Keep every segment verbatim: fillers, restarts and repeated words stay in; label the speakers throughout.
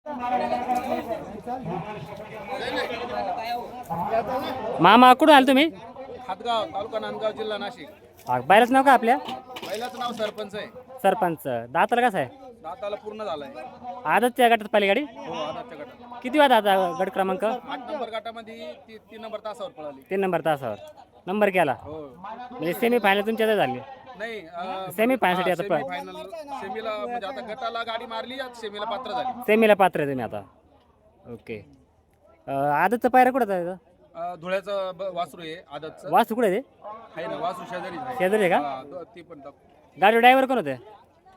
Speaker 1: मामा कुठून आले तुम्ही?
Speaker 2: हातगाव तालुका नांदगाव जिल्हा नाशिक.
Speaker 1: हा, बायलाच नाव का आपल्या?
Speaker 2: पहिल्याचं नाव सरपंच आहे.
Speaker 1: सरपंच दाताला कसं आहे?
Speaker 2: दाताला पूर्ण झालाय.
Speaker 1: आदतच्या गटात पहिली गाडी
Speaker 2: हो आदाच्या गटात
Speaker 1: किती वाजता आता गट क्रमांक?
Speaker 2: आठ नंबर गटामध्ये ती तीन नंबर तासावर पळाली.
Speaker 1: तीन नंबर तासावर नंबर केला
Speaker 2: हो
Speaker 1: म्हणजे सेमी फायनल तुमच्या झाली.
Speaker 2: नाही
Speaker 1: सेमी फायनलसाठी आता
Speaker 2: सेमी फायनल सेमीला म्हणजे आता गटाला गाडी मारली आता सेमीला पात्र झाली.
Speaker 1: सेमीला पात्र आहे तुम्ही आता. ओके. आदतचं पायरा कुठं आहे?
Speaker 2: अं, धुळ्याचं ब- वासरू आहे आदतचं.
Speaker 1: वासू कुठे आहे ते?
Speaker 2: आहे ना वासरू शेजारी आहे.
Speaker 1: शेजारी आहे का?
Speaker 2: हा, दो- ती पण दाखव.
Speaker 1: गाडी ड्रायव्हर कोण होते?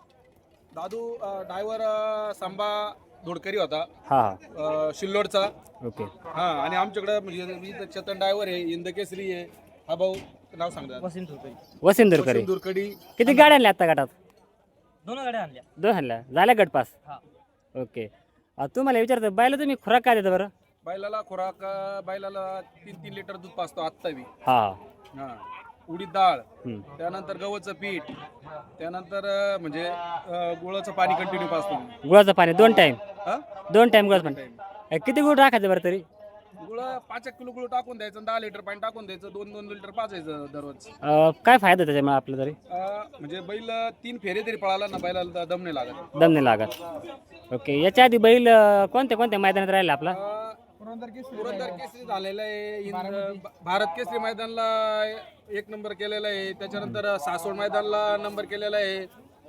Speaker 2: दादू ड्रायव्हर संभा धोडकरी होता
Speaker 1: हा
Speaker 2: अं, शिल्लोडचा.
Speaker 1: ओके.
Speaker 2: हा आणि आमच्याकडे म्हणजे इथं चेतन ड्रायव्हर आहे इंदकेसरी आहे. हा भाऊ नाव सांगतात
Speaker 1: वसिंदुरकरी.
Speaker 2: दुरकडी.
Speaker 1: किती गाड्या आणल्या आता गटात?
Speaker 3: दोन गाड्या आणल्या.
Speaker 1: दोन आणल्या झाल्या गटपास.
Speaker 3: हा.
Speaker 1: ओके. अ, तुम्हाला विचारतो बैला तुम्ही खुराक काय देता बरं?
Speaker 2: बैलाला खुराक अं, बैलाला तीन तीन लिटर दूध पाजतो आत्ता बी.
Speaker 1: हा
Speaker 2: हा उडीद डाळ,
Speaker 1: हम्म.
Speaker 2: त्यानंतर गव्हाचं पीठ, त्यानंतर अं, म्हणजे अं, गुळाचं पाणी कंटिन्यू पाजतो.
Speaker 1: गुळाचं पाणी दोन टाइम
Speaker 2: हा
Speaker 1: दोन टाइम गुळाचं पाणी. अ, किती गुळ टाकायचं बरं तरी?
Speaker 2: गुळ पाच एक किलो गुळ टाकून द्यायचं, दहा लिटर पाणी टाकून द्यायचं, दोन दोन लिटर पाजायचं दररोज.
Speaker 1: अ, काय फायदा त्याच्यामुळे आपलं तरी?
Speaker 2: अं, म्हणजे बैल तीन फेरे तरी पळाला ना बैलाला दम नाही लागत.
Speaker 1: दम नाही लागत. ओके. याच्या आधी बैल अ, कोणत्या कोणत्या मैदानात राहिला आपला?
Speaker 2: अं, पुरंदर केसरी झालेला आहे. इंद- भारत केसरी मैदानला एक नंबर केलेला आहे. त्याच्यानंतर सासवड मैदानला नंबर केलेला आहे.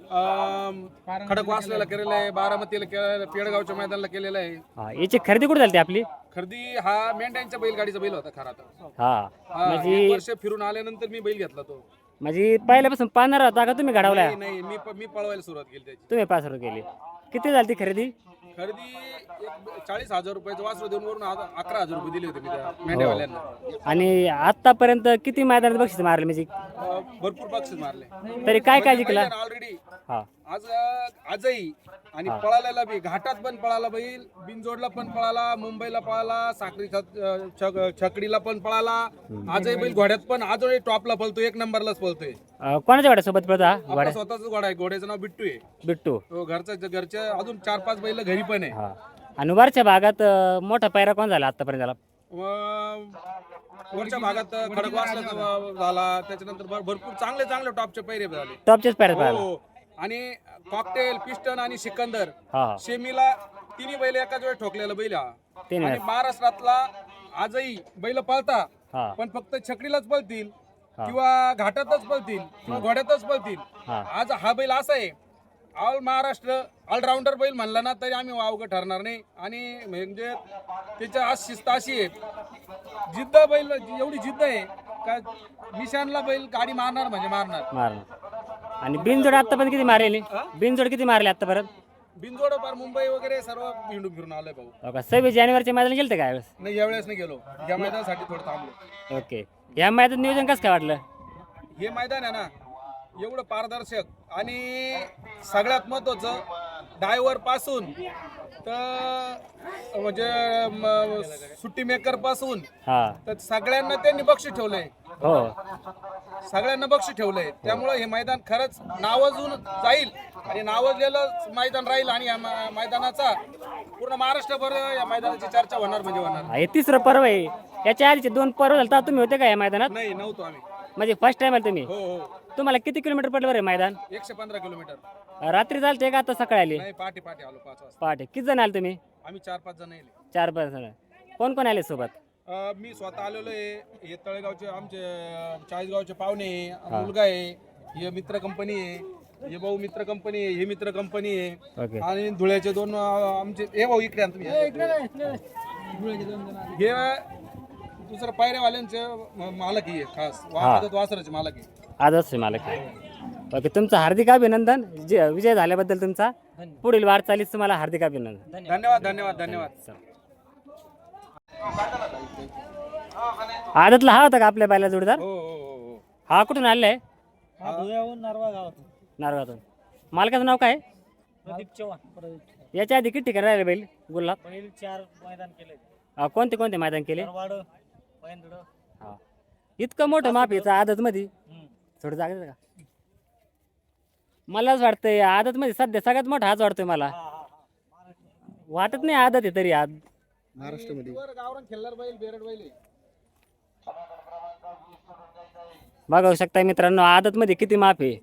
Speaker 2: अं, खडकवासल्याला केलेला आहे. बारामतीला केलेला आहे. पेडगावच्या मैदानला केलेला आहे.
Speaker 1: हा. याची खरेदी कुठे झाली आपली?
Speaker 2: खरेदी हा मेंढ्यांच्या बैलगाडीचा बैल होता खरा तर.
Speaker 1: हा
Speaker 2: हा,
Speaker 1: म्हणजे
Speaker 2: एक वर्ष फिरून आल्यानंतर मी बैल घेतला तो.
Speaker 1: म्हणजे पहिल्यापासून पाहणार होता का तुम्ही घडवला?
Speaker 2: नाही नाही, मी प- मी पळवायला सुरुवात केली त्याची.
Speaker 1: तुम्ही पाच रुपये केली. किती झाली ती खरेदी?
Speaker 2: खरेदी एक चाळीस हजार रुपयाचं वासरू देऊन वरून आ- अकरा हजार रुपये दिले होते मी त्या मेंढ्यावाल्यांना.
Speaker 1: आणि आतापर्यंत किती मैदानात बक्षीस मारले म्हणजे?
Speaker 2: अं, भरपूर बक्षीस मारले
Speaker 1: तरी काय काय जिंकला?
Speaker 2: ऑलरेडी.
Speaker 1: हा
Speaker 2: आज आजही आणि पळालेला बी घाटात पण पळाला बैल, बिनजोडला पण पळाला, मुंबईला पळाला, साखरी छत- छक- छकडीला पण पळाला. आजही बैल घोड्यात पण आजही टॉपला पळतो, एक नंबरलाच पळतोय.
Speaker 1: अ, कोणाच्या वाड्यासोबत पळता
Speaker 2: आपला
Speaker 1: वाड्या?
Speaker 2: स्वतःच घोडा आहे, घोड्याचं नाव बिट्टू आहे.
Speaker 1: बिट्टू.
Speaker 2: तो घरचा घरच्या अजून चार पाच बैल घरी पण आहे.
Speaker 1: हा. आणि वरच्या भागात अ, मोठा पायरा कोण झाला आतापर्यंत झाला?
Speaker 2: व- वरच्या भागात खडकवासला झाला. त्याच्यानंतर भर- भरपूर चांगले चांगले टॉपचे पैरे झाले.
Speaker 1: टॉपचेच पायऱ्यात पाहिला.
Speaker 2: हो. आणि कॉकटेल, पिस्टन आणि सिकंदर
Speaker 1: हा हा.
Speaker 2: शेमीला तिन्ही बैल एकाच वेळी ठोकलेला बैल हा.
Speaker 1: तीन
Speaker 2: आणि
Speaker 1: वेळेस.
Speaker 2: महाराष्ट्रातला आजही बैल पळता,
Speaker 1: हा
Speaker 2: पण फक्त छकडीलाच पळतील
Speaker 1: हा.
Speaker 2: किंवा घाटातच पळतील किंवा घोड्यातच पळतील.
Speaker 1: हा.
Speaker 2: आज हा बैल असा आहे ऑल महाराष्ट्र ऑलराऊंडर बैल म्हणला ना तरी आम्ही वावगं ठरणार नाही. आणि म्हणजे त्याच्या आज शिस्त अशी आहे, जिद्द बैल एवढी जिद्द आहे का निशानला बैल गाडी मारणार म्हणजे मारणार.
Speaker 1: मारणार. आणि बिनजोड आतापर्यंत किती मारले? बिनजोड किती मारले आतापर्यंत?
Speaker 2: बिनजोड पार मुंबई वगैरे सर्व हिंडून फिरून आलोय भाऊ.
Speaker 1: हो का? सव्वीस जानेवारीच्या मैदान गेलं काय वेळेस?
Speaker 2: नाही यावेळेस नाही गेलो, या मैदानासाठी थोडं थांबलो.
Speaker 1: ओके. या मैदान नियोजन कसं काय वाटलं?
Speaker 2: हे मैदान आहे ना एवढं पारदर्शक आणि सगळ्यात महत्वाचं ड्रायव्हर पासून तर म्हणजे म, सुट्टी मेकर पासून
Speaker 1: हा
Speaker 2: तर सगळ्यांना त्यांनी बक्षीस ठेवलंय.
Speaker 1: हो.
Speaker 2: सगळ्यांना बक्षीस ठेवलंय. त्यामुळे हे मैदान खरंच नावाजून जाईल आणि नावाजलेलं मैदान राहील. आणि या मै- मैदानाचा पूर्ण महाराष्ट्रभर या मैदानाची चर्चा होणार म्हणजे होणार.
Speaker 1: हे तिसरं पर्व आहे. याच्या आधीचे दोन पर्व झालं तर तुम्ही होते का या मैदानात?
Speaker 2: नाही नव्हतो आम्ही.
Speaker 1: म्हणजे फर्स्ट टाइम आले तुम्ही?
Speaker 2: हो हो.
Speaker 1: तुम्हाला किती किलोमीटर पडलं बरं मैदान?
Speaker 2: एकशे पंधरा किलोमीटर.
Speaker 1: रात्री चालते का आता सकाळी आली?
Speaker 2: नाही पहाटे पहाटे आलो पाच वाजता.
Speaker 1: पहाटे. किती जण आले तुम्ही?
Speaker 2: आम्ही चार पाच जण येले.
Speaker 1: चार पाच जण. कोण कोण आले सोबत?
Speaker 2: अ, मी स्वतः आलेलो आहे. हे तळेगावचे आमचे अ, चाळीसगावचे पाहुणे आहे, मुलगा आहे, हे मित्र कंपनी आहे, हे भाऊ मित्र कंपनी आहे, हे मित्र कंपनी आहे.
Speaker 1: ओके.
Speaker 2: आणि धुळ्याचे दोन अ, आमचे हे भाऊ इकडे आणतो हे दुसरं पायऱ्यावाल्यांचे म- मालक आहे खास वाहनात वासराचे मालक आहे.
Speaker 1: आजच मालक. ओके. तुमचं हार्दिक अभिनंदन. जे विजय झाल्याबद्दल तुमचा पुढील वाटचालीस तुम्हाला हार्दिक अभिनंदन.
Speaker 2: धन्यवाद धन्यवाद धन्यवाद.
Speaker 1: आदतला हा होता का आपल्या बायला जोडीदार?
Speaker 2: हो हो हो हो.
Speaker 1: हा कुठून आलेला आहे?
Speaker 3: हा धुळ्याहून नारवा गावातून.
Speaker 1: नारगातून. मालकाचं नाव काय?
Speaker 3: प्रदीप चव्हाण. प्रदीप चव्हाण.
Speaker 1: याच्या आधी किती ठिकाणी राहिले बैल गुल्हाब?
Speaker 3: पहिली चार मैदान केले.
Speaker 1: अ, कोणते कोणते मैदान केले?
Speaker 3: वाड पैंदड.
Speaker 1: हा. इतकं मोठं माप याचं आदत मध्ये थोडं जागा का? मलाच वाटतंय आदत मध्ये सध्या सगळ्यात मोठा हाच वाटतोय मला. वाटत नाही आदत आहे तरी आज
Speaker 4: महाराष्ट्रामध्ये
Speaker 2: वर गावरान खेळणार बैल बेरड बैल आहे.
Speaker 1: बघू शकता मित्रांनो आदत मध्ये किती माप आहे.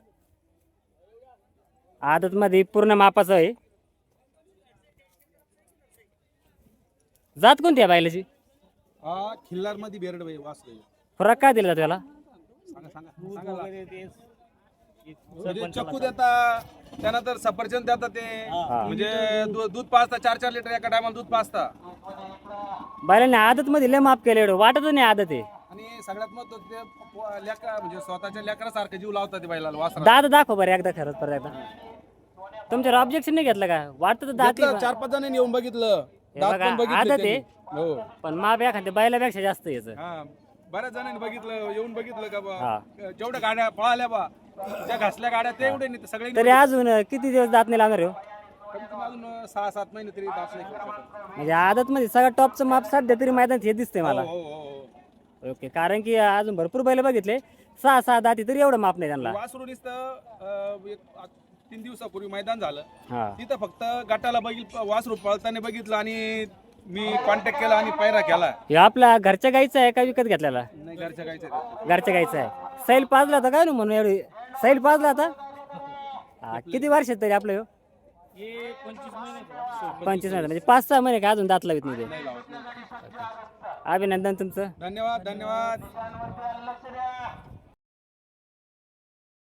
Speaker 1: आदत मध्ये पूर्ण मापाचं आहे. जात कोणती आहे बैलाची?
Speaker 2: हा खिल्लार मध्ये बेरड बैल वासरे.
Speaker 1: फरक काय दिला त्याला?
Speaker 2: सांगा सांगा
Speaker 3: दूध
Speaker 2: सांगा ना.
Speaker 3: वगैरे ते
Speaker 2: म्हणजे चक्कू देता त्यानंतर सफरचंद देता ते
Speaker 1: हा.
Speaker 2: म्हणजे दू- दूध पाजता चार चार लिटर एका टायमाला दूध पाजता
Speaker 1: बैलाने आदत मध्ये लय माप केलं एवढं वाटत नाही आदत आहे.
Speaker 2: आणि सगळ्यात महत्त्वाचं ते प- लेकरा म्हणजे स्वतःच्या लेकरासारखं जीव लावतात ते बैलाला वासरा.
Speaker 1: दाद दाखव बरं एकदा खरंच परत एकदा. तुमच्यावर ऑब्जेक्शन नाही घेतलं का? वाटतं तर दात
Speaker 2: घेतलं, चार पाच जणांनी येऊन बघितलं
Speaker 1: हे
Speaker 2: दात
Speaker 1: बघा,
Speaker 2: पण बघितले
Speaker 1: आदत
Speaker 2: त्यांनी.
Speaker 1: आहे.
Speaker 2: हो
Speaker 1: पण माप एखाद्या बैलापेक्षा जास्त यायचं.
Speaker 2: हा बऱ्याच जणांनी बघितलं येऊन बघितलं का
Speaker 1: हा.
Speaker 2: बा जेवढ्या गाड्या पळाल्या बा त्या घासल्या गाड्या ते एवढे नाही सगळे
Speaker 1: तरी अजून किती दिवस दात नाही लागणार हो?
Speaker 2: कमीत कमी अजून सहा सात महिने तरी दात नाही खेळू शकत.
Speaker 1: म्हणजे आदत मध्ये सगळं टॉपचं माप सध्या तरी मैदानात हे दिसतंय मला.
Speaker 2: हो हो हो
Speaker 1: ओके कारण की अजून भरपूर बैल बघितले सहा सहा दाती तरी एवढं माप नाही त्यांना.
Speaker 2: वासरू नुसतं अं, एक आ- तीन दिवसापूर्वी मैदान झालं
Speaker 1: हा
Speaker 2: तिथं फक्त गटाला बघितलं वासरू पळताना बघितलं आणि मी कॉन्टॅक्ट केला आणि पैरा केला.
Speaker 1: हे आपला घरच्या गाईचा आहे का विकत घेतलेला?
Speaker 2: नाही घरच्या गायचं ते.
Speaker 1: घरच्या गाईचा आहे. सैल पाजला होता काय ना म्हणून एवढी सैल पाजला होता. हा, किती वर्षात तरी आपलं ह्यो?
Speaker 3: हे पंचवीस महिने
Speaker 1: पंचवीस महिने म्हणजे पाच सहा महिने का अजून दात लावित नाही ते.
Speaker 2: नाही लावत नाही.
Speaker 1: अभिनंदन तुमचं.
Speaker 2: धन्यवाद धन्यवाद